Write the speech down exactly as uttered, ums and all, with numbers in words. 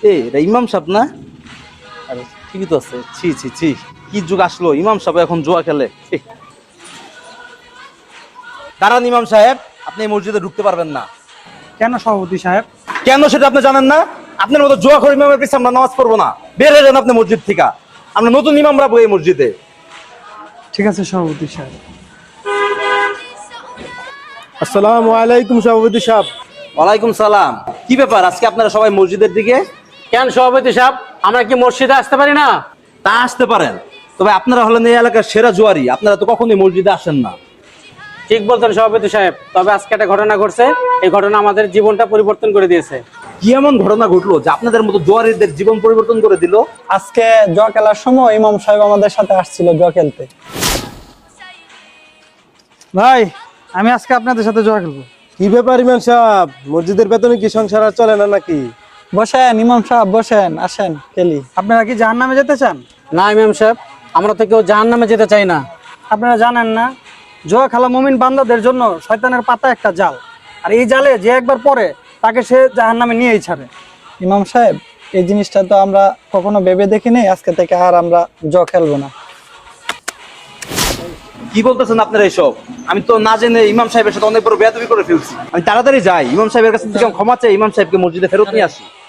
এই এটা ইমাম সাহেব না? আরে ঠিকই তো আছে। ছি ছি ছি, কি যুগ আসলো, ইমাম সাহেব এখন জুয়া খেলে। ছি। দাঁড়ান ইমাম সাহেব, আপনি এই মসজিদে ঢুকতে পারবেন না। কেন সভাপতি সাহেব? কেন সেটা আপনি জানেন না? আপনার মতো জুয়া খোর ইমামের পিছনে আমরা নামাজ পড়বো না। বের হয়ে যান আপনি মসজিদ থেকে। আমরা নতুন ইমাম রাখবো এই মসজিদে। ঠিক আছে সভাপতি সাহেব। আসসালামু আলাইকুম সভাপতি সাহেব। ওয়ালাইকুম সালাম। কি ব্যাপার আজকে আপনারা সবাই মসজিদের দিকে? কেন সভাপতি সাহেব, আমরা কি মসজিদে আসতে পারি না? তা আসতে পারেন, তবে আপনারা হলেন এই এলাকার সেরা জুয়ারি, আপনারা তো কখনোই মসজিদে আসেন না। ঠিক বলছেন সভাপতি সাহেব, তবে আজকে একটা ঘটনা ঘটছে, এই ঘটনা আমাদের জীবনটা পরিবর্তন করে দিয়েছে। কি এমন ঘটনা ঘটলো যে আপনাদের মতো জুয়ারিদের জীবন পরিবর্তন করে দিল? আজকে জুয়া খেলার সময় ইমাম সাহেব আমাদের সাথে আসছিল জুয়া খেলতে। ভাই, আমি আজকে আপনাদের সাথে জুয়া খেলবো। কি ব্যাপার ইমাম সাহেব, মসজিদের বেতনে কি সংসার আর চলে না নাকি? বসেন ইমাম সাহেব, বসেন, আসেন খেলি। আপনারা কি জাহান্নামে যেতে চান? না ইমাম সাহেব, আমরা তো কেউ জাহান্নামে যেতে চাই না। আপনারা জানেন না, জুয়া খেলা মুমিন বান্দাদের জন্য শয়তানের পাতা একটা জাল, আর এই জালে যে একবার পড়ে তাকে সে জাহান্নামে নিয়েই ছাড়ে। ইমাম সাহেব, এই জিনিসটা তো আমরা কখনো ভেবে দেখিনি, আজকে থেকে আর আমরা জুয়া খেলবো না। কি বলতেছেন আপনারা এসব? আমি তো না জেনে ইমাম সাহেবের সাথে অনেক বড় বেয়াদবি করে ফেলছি। আমি তাড়াতাড়ি যাই, ইমাম সাহেবের কাছে থেকে ক্ষমা চাই, ইমাম সাহেবকে মসজিদে ফেরত নিয়ে আসি।